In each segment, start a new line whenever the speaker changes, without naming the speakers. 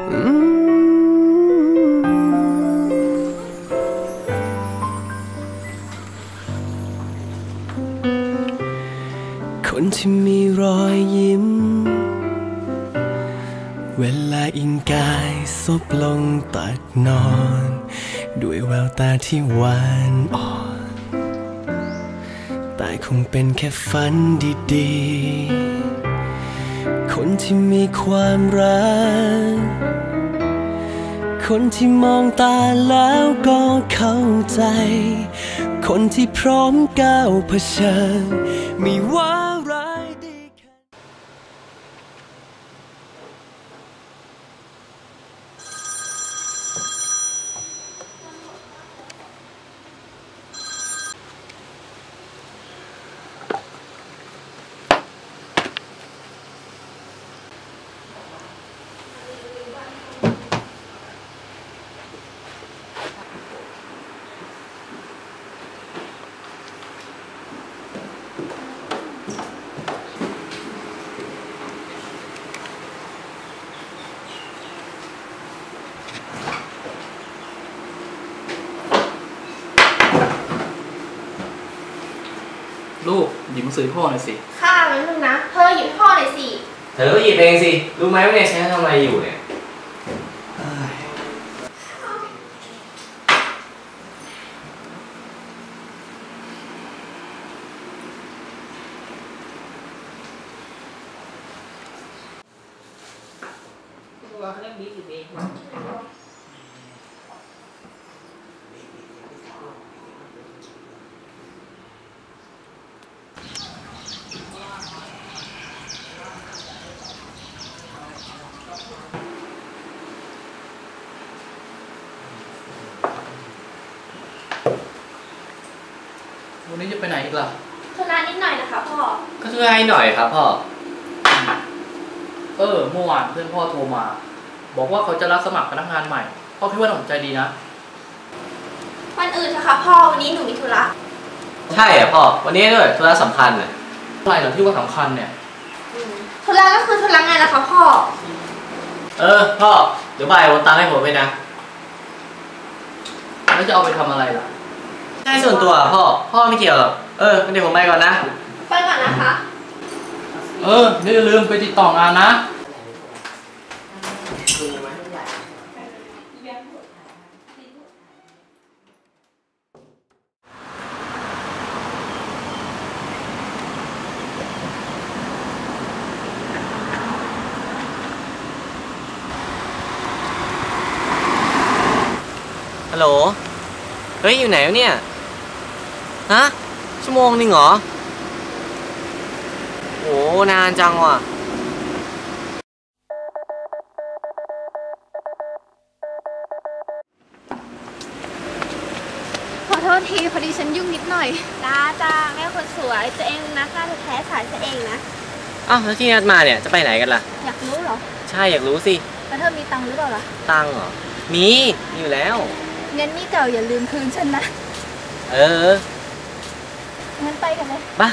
คนที่มีรอยยิ้มเวลาอิงกายซบลงตักนอนด้วยแววตาที่หวานอ่อนแต่คงเป็นแค่ฝันดีๆคนที่มีความรักคนที่มองตาแล้วก็เข้าใจคนที่พร้อมก้าวเผชิญไม่ว่าร้ายดีแค่
ลูกหยิบหนังสือพ่อหน่อยสิ
ข้ามันนึงนะเธอหยิบพ่อหน่อยสิ
เธอก็หยิบเองสิรู้ไหมว่าเนี่ยฉันทำอะไรอยู่เนี่ย
วันนี้จะไปไหนอีกล่ะ
ธุระนิดหน่อยนะคะพ่อ
ก็ช่วยให้หน่อยครับพ่อ
เมื่อวานเพื่อนพ่อโทรมาบอกว่าเขาจะรับสมัครพนักงานใหม่พ่อคิดว่าน่าสนใจดีนะ
วันอื่นเถอะค่ะพ่อวันนี้หนูมีธุระ
ใช่อ่ะพ่อวันนี้ด้วยธุระสำคัญอ่ะ
อะไรเหรอที่ว่าสำคัญเนี่ย
ธุระก็คือธุระไงล่ะคะพ่อ
พ่อเดี๋ยวบ่ายโอนตังค์ให้ผมไปนะ
แล้วจะเอาไปทำอะไรล่ะ
ใช่ส่วนตัวพ่อไม่เกี่ยวหรอกเดี๋ยวผมไปก่อนนะ
ไปก่อนนะคะ
นี่อย่าลืมไปติดต่องานนะ
ฮัลโหลเฮ้ยอยู่ไหนวะเนี่ยฮะชั่วโมงนึงเหรอโหนานจังว่ะ
ขอโทษทีพอดีฉันยุ่งนิดหน่อยจ้าแม่คนสวยตัวเองนะกล้าแท้สายตัวเองนะ
แล้วที่นัดมาเนี่ยจะไปไหนกันล่ะ
อยากรู้เหรอ
ใช่อยากรู้สิ
แล้วเธอมีตังค์หรือเปล่าล่ะ
ตังค์เหรอมีอยู่แล้ว
งั้นนี่เก่าอย่าลืมคืนฉันนะงั้นไปกันเลย
บ้า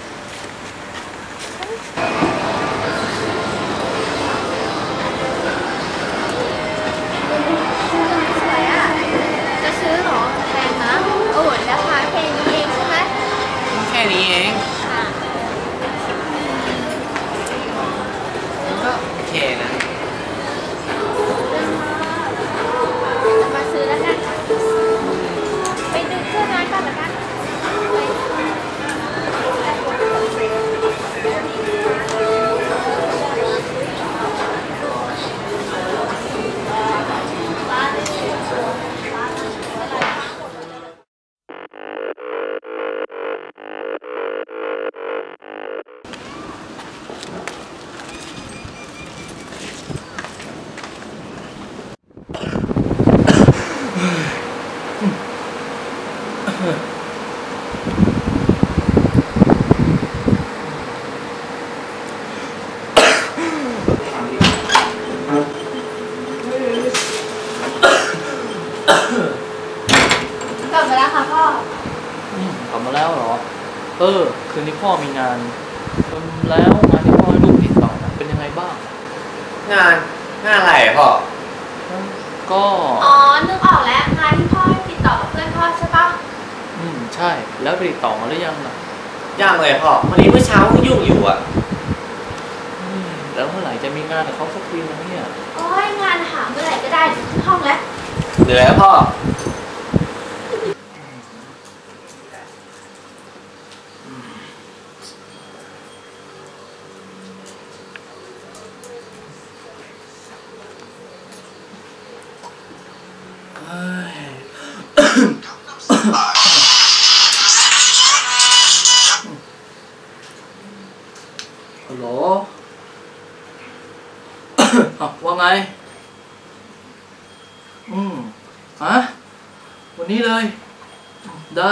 สวยอ่ะจะซื้อหรอแพงนะราคาแค่นี้เองใช่ไหม
แค่นี้เองก็โอเคนะ
มาซื้อแล้วกันไปดึงเสื้อน้อยก่อนละกันกลับมาแล้วค่ะพ่อก
ลับมาแล้วเหรอคืนนี้พ่อมีงานแล้วงานที่พ่อให้ลูกติดต่อเป็นยังไงบ้าง
งานอะไรพ่อ
ก็
อ๋อนึกออกแล้วงานที่พ่อให้ติดต่อกับเพื่อนพ่อใช่ปะ
ใช่แล้วไปติดต่อมาหรือยังล่ะ
ยังเลยพ่อวันนี้เมื่อเช้ายุ่งอยู่อ่ะ
แล้วเมื่อไหร่จะมีงานกับเขาสักทีนะเนี่ย
โอ้ยงานหาเมื่อไหร่ก็ได้ที่ห้องแล้ว
เหนื่อยพ่อ
ฮัลโหล ว่าไงฮะวันนี้เลยได้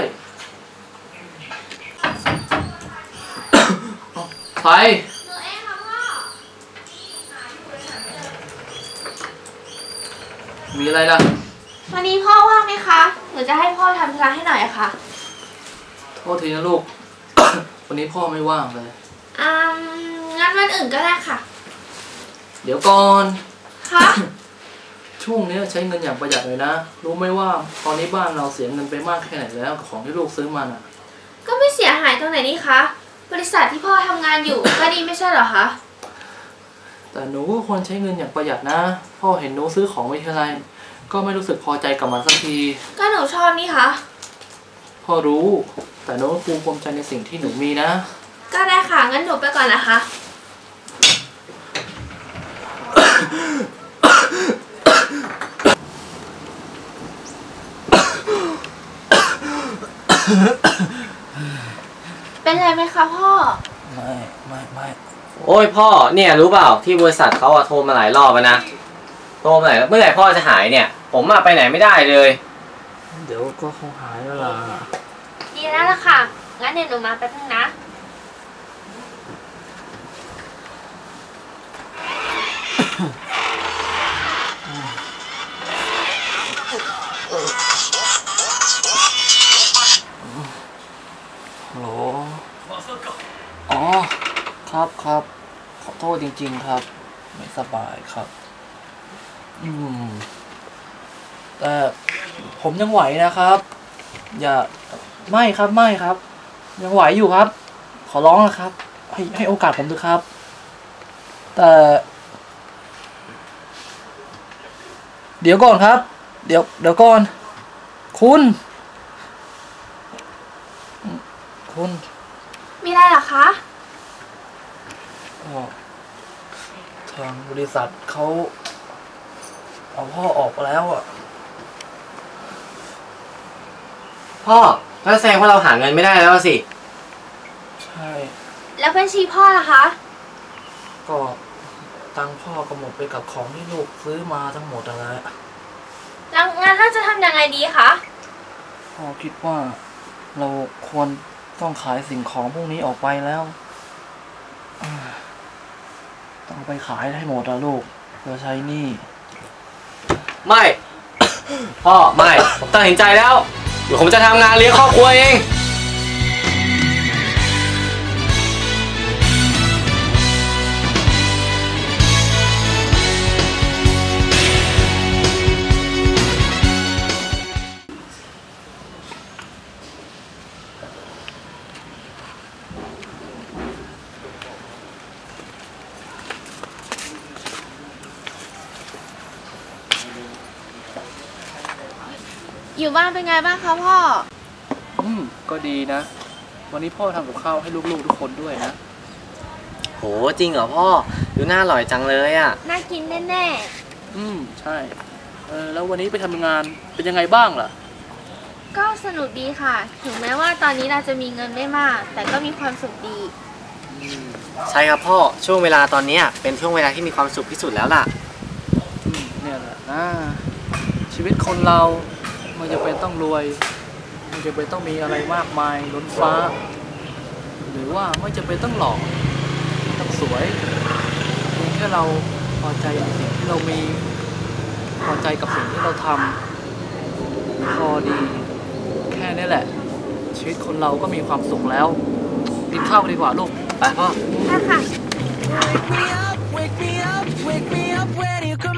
ใคร
หนูเองค่ะพ่อ
มีอะไรล่ะ
วันนี้พ่อว่างไหมคะหนูจะให้พ่อทำธุระให้หน่อยค่ะ
โทษทีนะลูก วันนี้พ่อไม่ว่างเลย
งั้นวันอื่นก็ได้ค่ะ
เดี๋ยวก่อน
ค่ะ
ช่วงนี้ใช้เงินอย่างประหยัดเลยนะรู้ไหมว่าตอนนี้บ้านเราเสียเงินไปมากแค่ไหนแล้วกับของที่ลูกซื้อมาน่ะ
ก็ไม่เสียหายตรงไหนนี่คะบริษัทที่พ่อทำงานอยู่ ก็ดีไม่ใช่เหรอคะ
แต่หนูก็ควรใช้เงินอย่างประหยัดนะพ่อเห็นหนูซื้อของไม่เท่าไรก็ไม่รู้สึกพอใจกับมันสักที
ก็หนูชอบนี่คะ
พ่อรู้แต่หนูก็ภูมิใจในสิ่งที่หนูมีนะ
ก็ได้ค่ะงั้นหนูไปก่อนนะคะเป็นไรไหมคะพ่อ
ไม่
โอ้ยพ่อเนี่ยรู้เปล่าที่บริษัทเขาโทรมาหลายรอบแล้วนะโทรมาหลายเมื่อไหร่พ่อจะหายเนี่ยผมไปไหนไม่ได้เลย
เดี๋ยวก็คงหายแล้วล่ะ
ดีแล้วล่ะค่ะงั้นเดี๋ยวหนูมาแป๊บนึงนะ
ฮัลโหลอ๋อครับขอโทษจริงๆครับไม่สบายครับแต่ผมยังไหวนะครับอย่าไม่ครับยังไหวอยู่ครับขอร้องนะครับให้โอกาสผมด้วยครับแต่เดี๋ยวก่อนครับเดี๋ยวก่อนคุณ
มีอะไรเหรอคะ
ทางบริษัทเขาเอาพ่อออกแล้วอ่ะ
พ่อก็แสดงว่าเราหาเงินไม่ได้แล้วสิ
ใช่
แล้วบัญชีพ่อล่ะคะ
ก็ตังพ่อก็หมดไปกับของที่ลูกซื้อมาทั้งหมดอะไร
แล้วงั้นเราจะทำยังไงดีคะ
พ่อคิดว่าเราควรต้องขายสิ่งของพวกนี้ออกไปแล้วต้องไปขายให้หมดอะลูกเพื่อใช้หนี้
ไม่พ่อไม่ผมตัดสินใจแล้วเดี๋ยวผมจะทำงานเลี้ยงครอบครัวเอง
อยู่บ้านเป็นไงบ้างคะพ่อ
ก็ดีนะวันนี้พ่อทำกับข้าวให้ลูกๆทุกคนด้วยนะ
โหจริงเหรอพ่อดูน่าอร่อยจังเลยอ่ะ
น่ากินแน่
ใช่แล้ววันนี้ไปทำงานเป็นยังไงบ้างล่ะ
ก็สนุกดีค่ะถึงแม้ว่าตอนนี้เราจะมีเงินไม่มากแต่ก็มีความสุขดี
ใช่ครับพ่อช่วงเวลาตอนนี้เป็นช่วงเวลาที่มีความสุขที่สุดแล้วล่ะ
เนี่ยแหละนะชีวิตคนเราไม่จำเป็นต้องรวยไม่จำเป็นต้องมีอะไรมากมายล้นฟ้าหรือว่าไม่จำเป็นต้องหล่อต้องสวยเพียงแค่เราพอใจในสิ่งที่เรามีพอใจกับสิ่งที่เราทำพอดีแค่นี้แหละชีวิตคนเราก็มีความสุขแล้วกินข้าวดีกว่าลูก
ไปพ่อ
ค่ะ